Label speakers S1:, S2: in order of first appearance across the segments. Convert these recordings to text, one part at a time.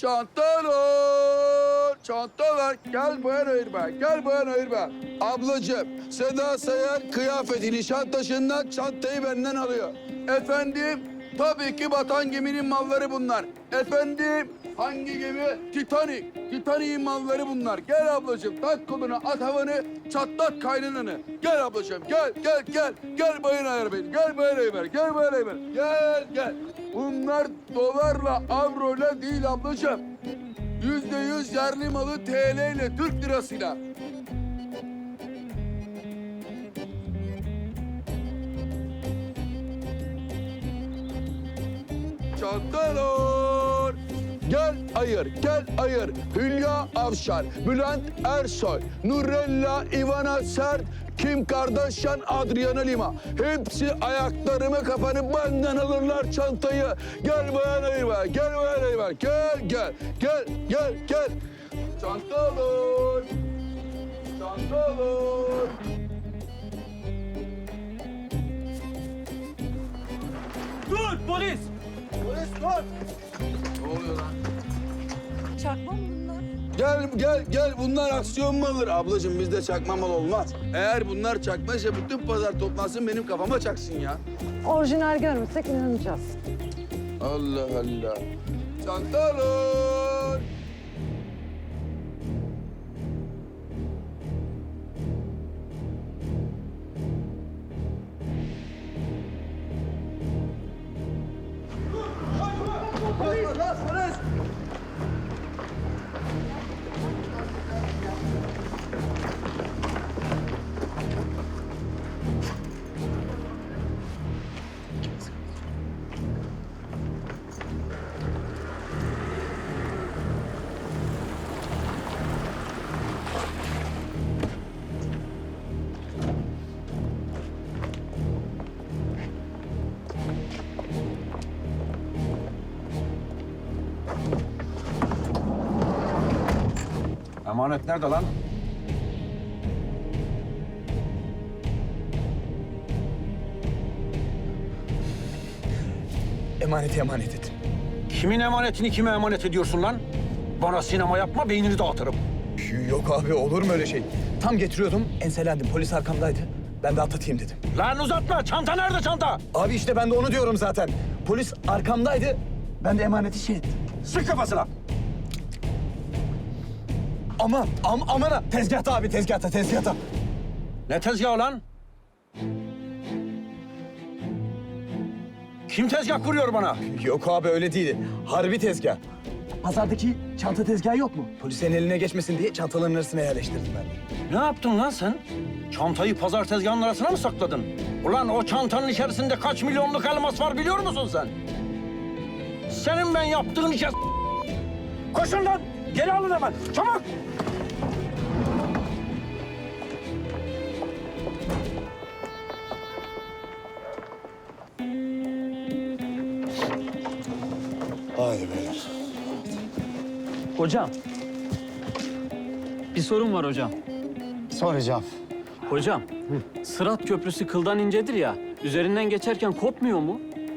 S1: Çantalar, çantalar. Gel bayan ayırma, gel bayan ayırma. Ablacığım, Seda Sayan kıyafeti Nişantaşı'ndan çantayı benden alıyor. Efendim, tabii ki batan geminin malları bunlar. Efendim, hangi gemi? Titanic. Titanic'in malları bunlar. Gel ablacığım, tak koluna, at havanı, çatlat kaynananı. Gel ablacığım, gel, gel, gel. Gel bayan ayır beni, gel bayan ayır, gel bayan ayır. Gel, gel. Bunlar dolarla, avroyla değil ablacığım. %100 yerli malı TL ile, Türk lirasıyla. Çantalar. Gel ayır, gel ayır. Hülya Avşar, Bülent Ersoy, Nurella Ivana Sert, Kim Kardashian, Adriana Lima. Hepsi ayaklarımı kapanıp benden alırlar çantayı. Gel bayan ayırma, gel bayan ayırma. Gel, gel, gel, gel, gel. Çantalar. Çantalar.
S2: Dur polis!
S1: Polis dur. Ne oluyor lan?
S3: Çakma mı bunlar?
S1: Gel, gel, gel. Bunlar aksiyon malıdır. Ablacığım bizde çakma mal olmaz. Eğer bunlar çakmaysa bütün pazar toplansın benim kafama çaksın ya.
S3: Orijinal görmesek inanacağız.
S1: Allah Allah. Çantalar. Polis!
S2: Emanet nerede lan?
S4: Emaneti emanet et.
S2: Kimin emanetini kime emanet ediyorsun lan? Bana sinema yapma, beynini dağıtırım.
S4: Yok abi olur mu öyle şey? Tam getiriyordum, enselendim. Polis arkamdaydı. Ben de atlatayım dedim.
S2: Lan uzatma, çanta nerede çanta?
S4: Abi işte ben de onu diyorum zaten. Polis arkamdaydı. Ben de emaneti şey ettim.
S2: Sık kafasına.
S4: Aman ha. Tezgahta abi, tezgahta.
S2: Ne tezgahı lan? Kim tezgah kuruyor bana?
S4: Yok abi öyle değil. Harbi tezgah. Pazardaki çanta tezgahı yok mu? Polisin eline geçmesin diye çantaların arasına yerleştirdim ben.
S2: Ne yaptın lan sen? Çantayı pazar tezgahının arasına mı sakladın? Ulan o çantanın içerisinde kaç milyonluk elmas var biliyor musun sen? Senin ben yaptığın işe... Koşun lan! Geri alın hemen! Çabuk!
S5: Haydi beyler.
S6: Hocam. Bir sorun var hocam.
S5: Soracağım.
S6: Hocam, Sırat Köprüsü kıldan incedir ya. Üzerinden geçerken kopmuyor mu?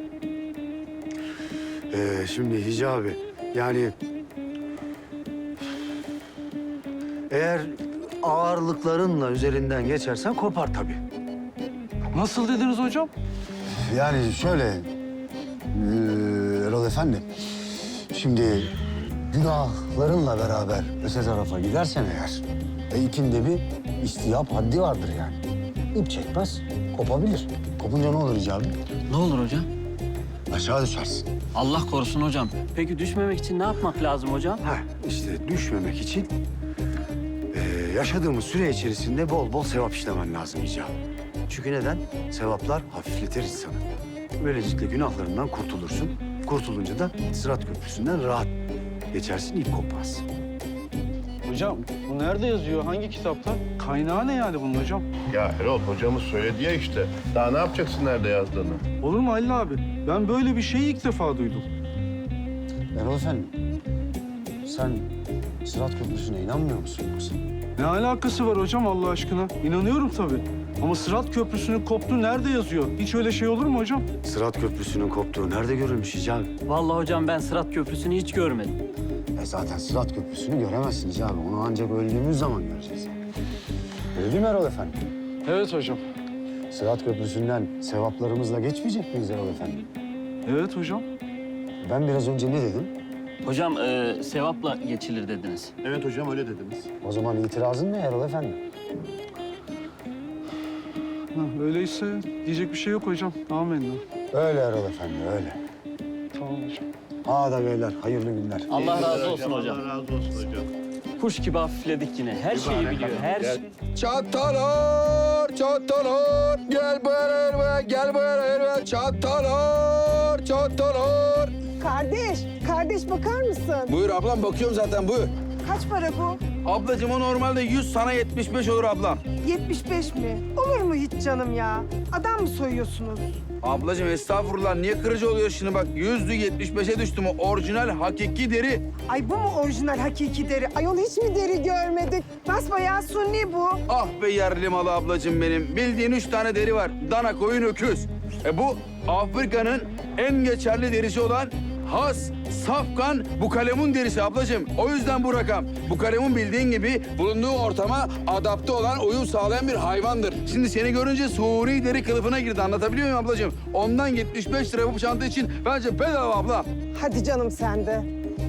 S5: Şimdi Hicabi, yani... Eğer ağırlıklarınla üzerinden geçersen kopar tabii.
S6: Nasıl dediniz hocam?
S5: Yani şöyle... Erol Efendi, şimdi günahlarınla beraber öte tarafa gidersen eğer... ikinde bir istihap haddi vardır yani. İp çekmez, kopabilir. Kopunca ne olur Hicabi?
S6: Ne olur hocam?
S5: Aşağı düşersin.
S6: Allah korusun hocam. Peki düşmemek için ne yapmak lazım hocam?
S5: İşte düşmemek için yaşadığımız süre içerisinde bol bol sevap işlemen lazım Hicabi. Çünkü neden? Sevaplar hafifletir insanı. Böylelikle günahlarından kurtulursun. Kurtulunca da Sırat Köprüsü'nden rahat geçersin, ip kopmaz.
S7: Hocam bu nerede yazıyor? Hangi kitapta? Kaynağı ne yani bunun hocam?
S8: Ya Erol hocamız söyledi ya işte. Daha ne yapacaksın nerede yazdığını?
S7: Olur mu Halil abi? Ben böyle bir şeyi ilk defa duydum.
S5: Erol Efendi, sen Sırat Köprüsü'ne inanmıyor musun yoksa?
S7: Ne alakası var hocam Allah aşkına? İnanıyorum tabii. Ama Sırat Köprüsü'nün koptuğu nerede yazıyor? Hiç öyle şey olur mu hocam?
S5: Sırat Köprüsü'nün koptuğu nerede görülmüş Hicabi?
S6: Vallahi hocam ben Sırat Köprüsü'nü hiç görmedim.
S5: Zaten Sırat Köprüsü'nü göremezsiniz abi. Onu ancak öldüğümüz zaman göreceğiz. Öyle değil mi Erol Efendi?
S7: Evet hocam.
S5: Sırat Köprüsü'nden sevaplarımızla geçmeyecek miyiz Erol Efendi?
S7: Evet hocam.
S5: Ben biraz önce ne dedim?
S6: Hocam sevapla geçilir dediniz.
S8: Evet hocam öyle dediniz.
S5: O zaman itirazın ne Erol Efendi?
S7: Öyleyse diyecek bir şey yok hocam. Amenna.
S5: Öyle Erol Efendi, öyle.
S7: Tamam hocam.
S5: Hadi beyler, hayırlı günler.
S6: Allah razı olsun hocam.
S8: Allah razı olsun hocam.
S6: Kuş gibi hafifledik yine. Her şeyi biliyor. Her şey.
S1: Çatalar, çatalar, gel beraber, gel beraber, çatalar, çatalar.
S3: Kardeş bakar mısın?
S1: Buyur ablam, bakıyorum zaten, buyur.
S3: Kaç para bu?
S1: Ablacığım o normalde 100, sana 75 olur ablam.
S3: 75 mi? Olur mu hiç canım ya? Adam mı soyuyorsunuz?
S1: Ablacığım estağfurullah, niye kırıcı oluyor şimdi bak? 100'lü 75'e düştü mü? Orijinal, hakiki deri.
S3: Ay bu mu orijinal hakiki deri? Ayol hiç mi deri görmedik? Basbayağı sunni bu.
S1: Ah be yerli malı ablacığım benim. Bildiğin 3 tane deri var. Dana, koyun, öküz. Bu Afrika'nın en geçerli derisi olan has, safkan bukalemun derisi ablacığım. O yüzden bu rakam. Bukalemun bildiğin gibi bulunduğu ortama adapte olan, uyum sağlayan bir hayvandır. Şimdi seni görünce Suri deri kılıfına girdi. Anlatabiliyor muyum ablacığım? Ondan 75 lira bu çanta için bence bedava abla.
S3: Hadi canım sen de.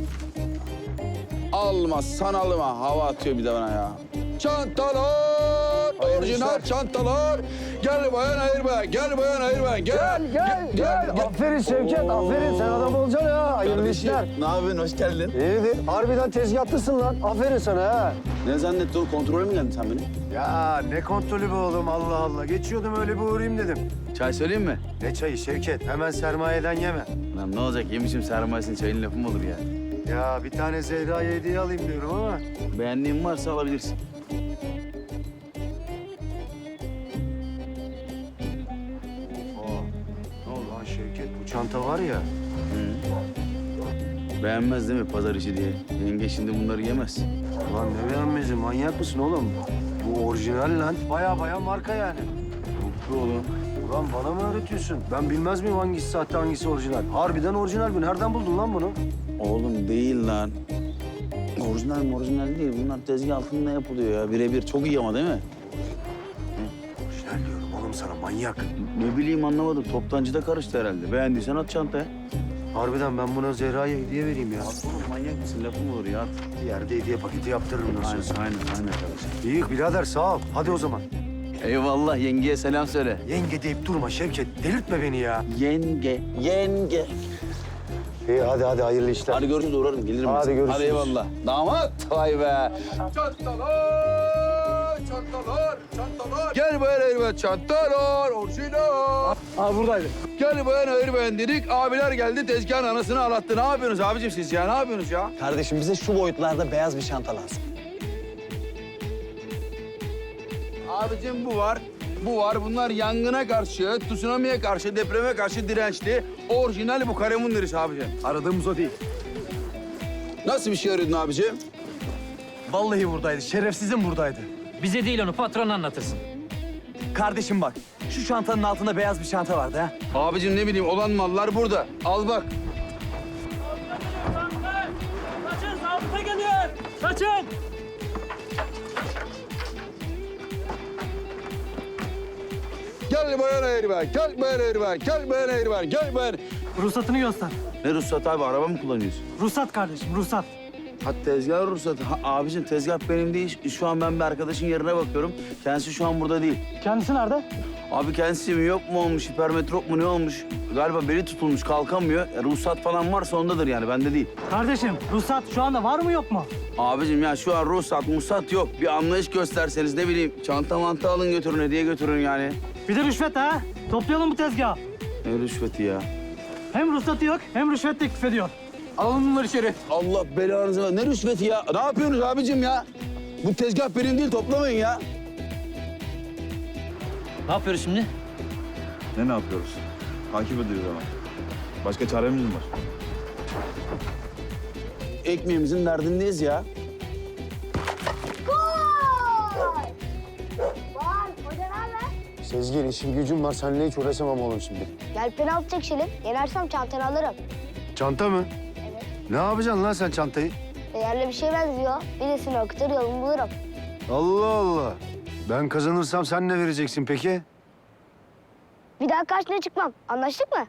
S1: Alma, sanalıma. Hava atıyor bir de bana ya. Çantalar, orijinal çantalar. Gel bayan ayırma, gel bayan ayırma. Gel.
S5: Aferin Şevket, aferin. Sen adam olacaksın ha. Hayırlı işler.
S1: Ne yapıyorsun? Hoş geldin.
S5: İyidir. Harbiden tezgahlısın lan. Aferin sana ha.
S1: Ne zannettin oğlum? Kontrole mi geldin sen beni?
S5: Ya ne kontrolü be oğlum, Allah Allah. Geçiyordum öyle bir uğrayayım dedim.
S1: Çay söyleyeyim mi?
S5: Ne çayı Şevket? Hemen sermayeden yeme.
S1: Lan ne olacak? Yemişim sermayesini, çayın lafı mı olur ya?
S5: Ya bir tane Zehra'ya hediye alayım diyorum ama.
S1: Beğendiğin varsa alabilirsin.
S5: Ne oldu lan Şevket? Bu çanta var ya.
S1: Beğenmez değil mi pazar işi diye? Yenge şimdi bunları yemez.
S5: Ulan ne beğenmezsin? Manyak mısın oğlum? Bu orijinal lan. Baya marka yani.
S1: Bu oğlum.
S5: Ulan bana mı öğretiyorsun? Ben bilmez miyim hangisi sahte hangisi orijinal? Harbiden orijinal bu. Nereden buldun lan bunu?
S1: Oğlum değil lan. Orijinal değil. Bunlar tezgah altında yapılıyor ya. Birebir. Çok iyi ama değil mi?
S5: Orijinal diyorum oğlum sana, manyak.
S1: Ne bileyim, anlamadım. Toptancıda karıştı herhalde. Beğendiysen at çantaya.
S5: Harbiden ben buna Zehra'ya hediye vereyim ya.
S1: At oğlum, manyak mısın? Lafı mı olur ya? At.
S5: Bir yerde hediye paketi yaptırırım nasıl olsa.
S1: Aynen arkadaşım.
S5: İyi birader, sağ ol. Hadi o zaman.
S1: Eyvallah, yengeye selam söyle.
S5: Yenge deyip durma Şevket. Delirtme beni ya.
S1: Yenge.
S5: İyi hadi hayırlı işler.
S1: Hadi görüşürüz, uğrarım. Gelirim.
S5: Hadi
S1: ben.
S5: görüşürüz.
S1: Hadi eyvallah. Damat, vay be. Çantalar. Gel bayan ayırma, çantalar, orijinal.
S7: Aa buradaydı.
S1: Gel bayan ayırmayın dedik, abiler geldi tezgahın anasını ağlattı. Ne yapıyorsunuz abicim siz ya, ne yapıyorsunuz ya?
S4: Kardeşim bize şu boyutlarda beyaz bir çanta lazım.
S1: Abicim bu var. Bunlar yangına karşı, tsunami'ye karşı, depreme karşı dirençli. Orijinal bu kalemun derisi abicim.
S4: Aradığımız o değil.
S1: Nasıl bir şey arıyordun abicim?
S4: Vallahi buradaydı. Şerefsizim buradaydı.
S6: Bize değil onu patron anlatırsın.
S4: Kardeşim bak, şu çantanın altında beyaz bir çanta vardı ha.
S1: Abicim ne bileyim, olan mallar burada. Al bak.
S6: Kaçın, zabıta geliyor. Kaçın.
S1: Gel bayan ayırma, gel bayan ayırma, gel bayan ayırma, gel bayan...
S7: Ruhsatını göster.
S1: Ne ruhsat abi, araba mı kullanıyorsun?
S7: Ruhsat kardeşim, ruhsat.
S1: Ha tezgah ruhsatı. Ha, abicim tezgah benim değil. Şu an ben bir arkadaşın yerine bakıyorum. Kendisi şu an burada değil.
S7: Kendisi nerede?
S1: Abi kendisi mi yok mu olmuş, hipermetrop mu ne olmuş? Galiba beli tutulmuş, kalkamıyor. Ruhsat falan varsa ondadır yani, bende değil.
S7: Kardeşim, ruhsat şu anda var mı yok mu?
S1: Abicim ya şu an ruhsat yok. Bir anlayış gösterseniz, ne bileyim, çanta mantı alın götürün, hediye götürün yani.
S7: Bir de rüşvet ha. Toplayalım bu tezgahı.
S1: Ne rüşveti ya?
S7: Hem ruhsatı yok hem rüşvet teklif ediyor. Alalım bunları içeri.
S1: Allah belanızı ver. Ne rüşveti ya? Ne yapıyorsunuz abicim ya? Bu tezgah benim değil, toplamayın ya.
S6: Ne yapıyoruz şimdi?
S9: Ne yapıyoruz? Takip ediyoruz ama. Başka çaremiz mi var?
S1: Ekmeğimizin derdindeyiz ya.
S10: Vay! Vay, hoca ne haber?
S5: Sezgin işim gücüm var. Seninle hiç uğraşamam oğlum şimdi.
S10: Gel penaltı çekişelim. Yenersem çantanı alırım.
S5: Çanta mı?
S10: Evet.
S5: Ne yapacaksın lan sen çantayı?
S10: Değerli bir şey benziyor. Birisini okutur yolumu bulurum.
S5: Allah Allah. Ben kazanırsam sen ne vereceksin peki?
S10: Bir daha karşına çıkmam. Anlaştık mı?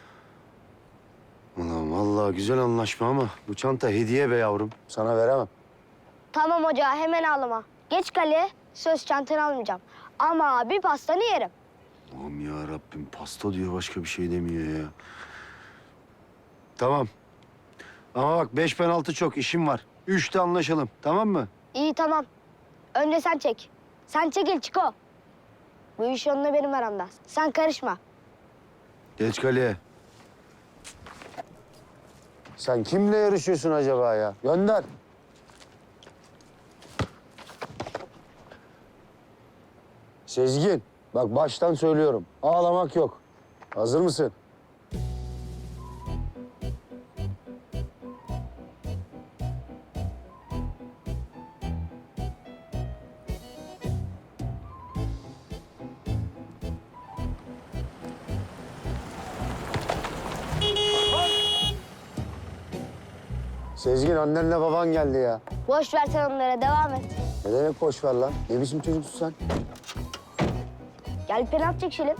S5: Ulan vallahi güzel anlaşma ama bu çanta hediye be yavrum. Sana veremem.
S10: Tamam hoca, hemen ağlama. Geç kaleye, söz çantanı almayacağım. Ama bir pastanı yerim.
S5: Aman ya Rabbim pasta diyor başka bir şey demiyor ya. Tamam. Ama bak 5 penaltı çok işim var. 3'te anlaşalım tamam mı?
S10: İyi tamam. Önce sen çek. Sen çekil Çiko. Bu iş onunla benim aramda. Sen karışma.
S5: Geç kaleye. Sen kimle yarışıyorsun acaba ya? Gönder. Sezgin, bak baştan söylüyorum. Ağlamak yok. Hazır mısın? Sezgin, annenle baban geldi ya.
S10: Boş ver sen onlara, devam et.
S5: Ne demek boş ver lan? Ne biçim çocuksun sen?
S10: Gel penaltı çekişelim.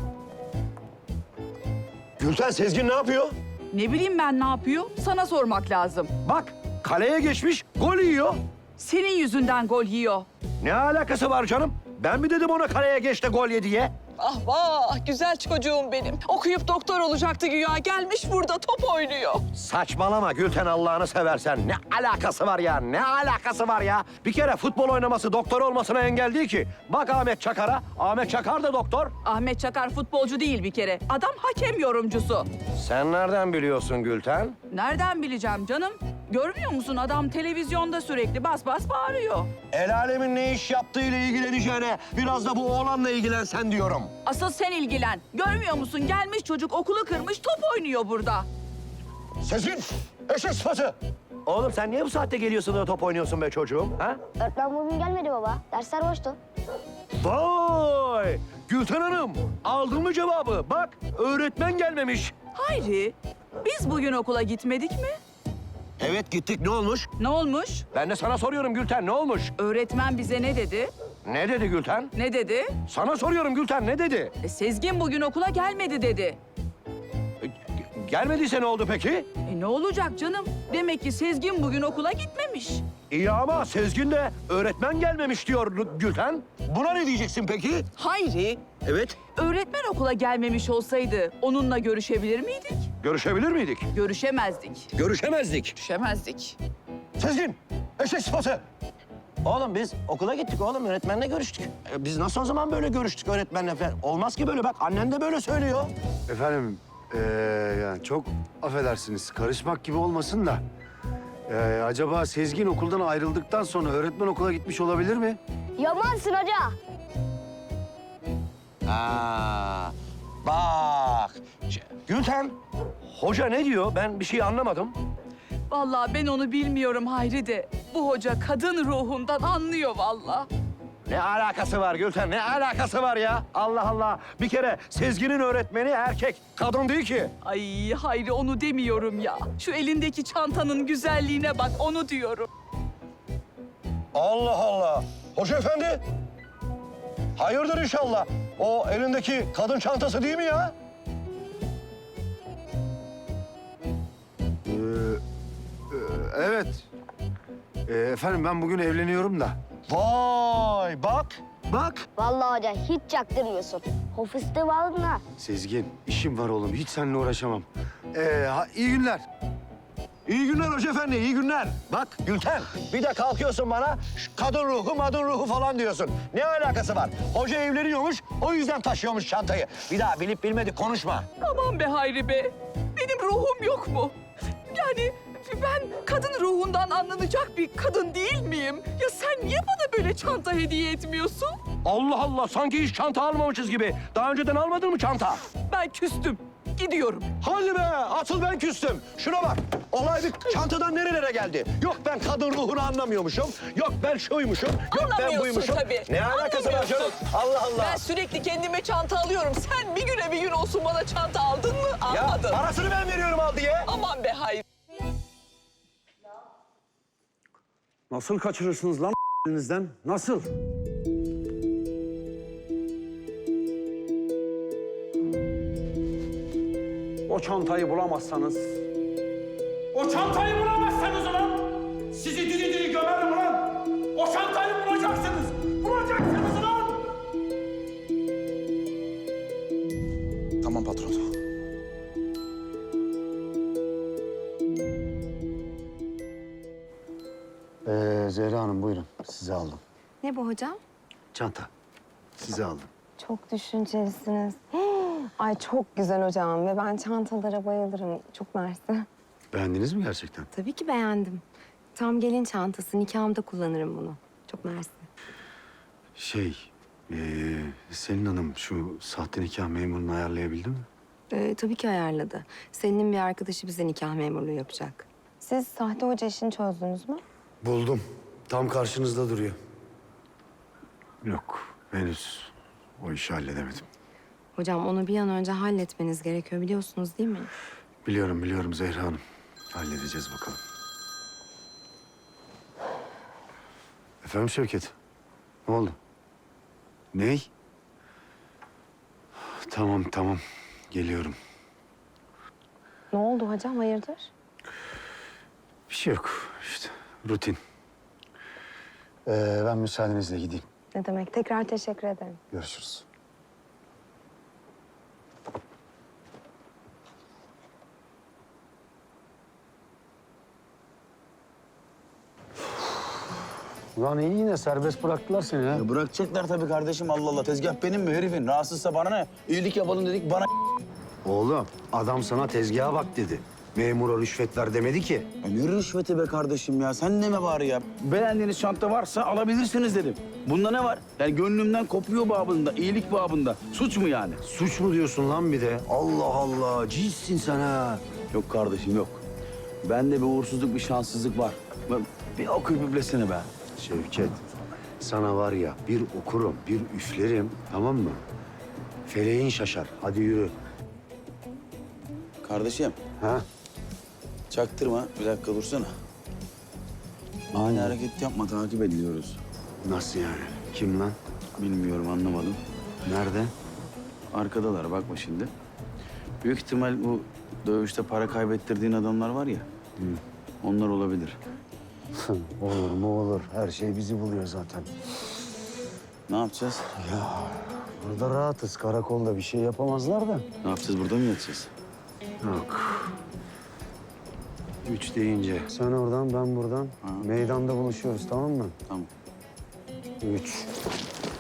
S2: Gülten, Sezgin ne yapıyor?
S11: Ne bileyim ben ne yapıyor? Sana sormak lazım.
S2: Bak, kaleye geçmiş, gol yiyor.
S11: Senin yüzünden gol yiyor.
S2: Ne alakası var canım? Ben mi dedim ona kaleye geç de gol ye diye?
S11: Ah vah, güzel çocuğum benim. Okuyup doktor olacaktı güya. Gelmiş burada top oynuyor.
S2: Saçmalama Gülten, Allah'ını seversen. Ne alakası var ya? Ne alakası var ya? Bir kere futbol oynaması doktor olmasına engel değil ki. Bak Ahmet Çakar'a. Ahmet Çakar da doktor.
S11: Ahmet Çakar futbolcu değil bir kere. Adam hakem yorumcusu.
S2: Sen nereden biliyorsun Gülten?
S11: Nereden bileceğim canım? Görmüyor musun adam televizyonda sürekli bas bas bağırıyor.
S2: El alemin ne iş yaptığıyla ilgileneceğine biraz da bu oğlanla ilgilensen diyorum.
S11: Asıl sen ilgilen. Görmüyor musun? Gelmiş çocuk okulu kırmış top oynuyor burada.
S2: Sezgin, eşek sıfatı. Oğlum sen niye bu saatte geliyorsun da top oynuyorsun be çocuğum? Ha?
S10: Öğretmen bugün gelmedi baba. Dersler boştu.
S2: Vay! Gülten Hanım, aldın mı cevabı? Bak, öğretmen gelmemiş.
S11: Hayri, biz bugün okula gitmedik mi?
S2: Evet gittik, ne olmuş?
S11: Ne olmuş?
S2: Ben de sana soruyorum Gülten, ne olmuş?
S11: Öğretmen bize ne dedi?
S2: Ne dedi Gülten?
S11: Ne dedi?
S2: Sana soruyorum Gülten, ne dedi?
S11: Sezgin bugün okula gelmedi dedi.
S2: Gelmediyse ne oldu peki?
S11: Ne olacak canım? Demek ki Sezgin bugün okula gitmemiş.
S2: İyi ama Sezgin de öğretmen gelmemiş diyor Gülten. Buna ne diyeceksin peki?
S11: Hayri,
S2: Evet.
S11: öğretmen okula gelmemiş olsaydı onunla görüşebilir miydik?
S2: Görüşebilir miydik?
S11: Görüşemezdik.
S2: Görüşemezdik.
S11: Görüşemezdik.
S2: Sezgin, eşek sıfatı. Oğlum biz okula gittik oğlum, öğretmenle görüştük. Biz nasıl o zaman böyle görüştük öğretmenle falan? Olmaz ki böyle, bak annen de böyle söylüyor.
S5: Efendim, yani çok affedersiniz. Karışmak gibi olmasın da. Acaba Sezgin okuldan ayrıldıktan sonra öğretmen okula gitmiş olabilir mi?
S10: Yamansın hoca.
S2: Aa, bak. Gülten, hoca ne diyor? Ben bir şey anlamadım.
S11: Vallahi ben onu bilmiyorum Hayri de. Bu hoca kadın ruhundan anlıyor vallahi.
S2: Ne alakası var Gülten? Ne alakası var ya? Allah Allah. Bir kere Sezgin'in öğretmeni erkek, kadın değil ki.
S11: Ay Hayri onu demiyorum ya. Şu elindeki çantanın güzelliğine bak onu diyorum.
S2: Allah Allah. Hoca efendi. Hayırdır inşallah. O elindeki kadın çantası değil mi ya?
S5: Evet. Efendim ben bugün evleniyorum da.
S2: Vay bak, bak.
S10: Vallahi hoca hiç çaktırmıyorsun. O fıstığı bağladın ha.
S5: Sezgin, işim var oğlum. Hiç seninle uğraşamam. İyi günler.
S2: İyi günler hoca efendi, iyi günler. Bak Gülten, bir de kalkıyorsun bana kadın ruhu, madın ruhu falan diyorsun. Ne alakası var? Hoca evleniyormuş, o yüzden taşıyormuş çantayı. Bir daha bilip bilmedik konuşma.
S11: Aman be Hayri be. Benim ruhum yok mu? Yani ben kadın ruhundan anlanacak bir kadın değil miyim? Ya sen niye bana böyle çanta hediye etmiyorsun?
S2: Allah Allah, sanki hiç çanta almamışız gibi. Daha önceden almadın mı çanta?
S11: Ben küstüm. Gidiyorum.
S2: Hadi be, asıl ben küstüm. Şuna bak, olay bir çantadan nerelere geldi? Yok ben kadın ruhunu anlamıyormuşum, yok ben şuymuşum, yok ben
S11: Anlamıyorsun
S2: buymuşum.
S11: tabii.
S2: Ne alakası var canım? Allah Allah.
S11: Ben sürekli kendime çanta alıyorum. Sen bir güne bir gün olsun bana çanta aldın mı?
S2: Ya
S11: Almadın.
S2: parasını ben veriyorum al diye.
S11: Aman be hayır.
S2: Nasıl kaçırırsınız lan elinizden? Nasıl? O çantayı bulamazsanız... O çantayı bulamazsanız ulan! Sizi diri diri gömerim ulan! O çantayı bulacaksınız! Bulacaksınız ulan!
S1: Tamam patron.
S5: Zehra Hanım buyurun. Size aldım.
S3: Ne bu hocam?
S5: Çanta. Size aldım.
S3: Çok düşüncelisiniz. Ay çok güzel hocam ve ben çantalara bayılırım. Çok mersi.
S5: Beğendiniz mi gerçekten?
S3: Tabii ki beğendim. Tam gelin çantası. Nikahımda kullanırım bunu. Çok mersi.
S5: Selin Hanım şu sahte nikah memurunu ayarlayabildi mi?
S3: Tabii ki ayarladı. Selin'in bir arkadaşı bize nikah memurluğu yapacak. Siz sahte hoca işini çözdünüz mü?
S5: Buldum. Tam karşınızda duruyor. Yok, henüz o işi halledemedim.
S3: Hocam onu bir an önce halletmeniz gerekiyor biliyorsunuz değil mi?
S5: Biliyorum Zehra Hanım. Halledeceğiz bakalım. Efendim Şevket? Ne oldu? Ney? Tamam. Geliyorum.
S3: Ne oldu hocam hayırdır?
S5: Bir şey yok işte. Rutin. Ben müsaadenizle gideyim.
S3: Ne demek? Tekrar teşekkür ederim.
S5: Görüşürüz. Ulan iyi yine serbest bıraktılar seni ha.
S4: Ya bırakacaklar tabii kardeşim, Allah Allah. Tezgah benim mi herifin? Rahatsızsa bana ne? İyilik yapalım dedik, bana
S5: Oğlum adam sana tezgaha bak dedi. Memura rüşvet ver demedi ki.
S4: Ya ne rüşveti be kardeşim ya? Sen deme bari ya. Beğendiğiniz çanta varsa alabilirsiniz dedim. Bunda ne var? Yani gönlümden kopuyor babında, iyilik babında. Suç mu yani?
S5: Suç mu diyorsun lan bir de? Allah Allah, cinssin sen ha.
S4: Yok kardeşim yok. Bende bir uğursuzluk, bir şanssızlık var. Bir okuyup üflesene be.
S5: Şevket, sana var ya bir okurum, bir üflerim, tamam mı? Feleğin şaşar. Hadi yürü.
S4: Kardeşim,
S5: Ha?
S4: çaktırma. Bir dakika dursana. Ani hareket yapma, takip ediliyoruz.
S5: Nasıl yani? Kim lan?
S4: Bilmiyorum, anlamadım.
S5: Nerede?
S4: Arkadalar, bakma şimdi. Büyük ihtimal bu dövüşte para kaybettirdiğin adamlar var ya. Onlar olabilir.
S5: Olur mu olur. Her şey bizi buluyor zaten.
S4: Ne yapacağız?
S5: Burada rahatız. Karakolda bir şey yapamazlar da.
S4: Ne yapacağız? Burada mı yatacağız?
S5: Yok. 3 deyince. Sen oradan, ben buradan. Meydanda buluşuyoruz, tamam mı?
S4: Tamam.
S5: 3.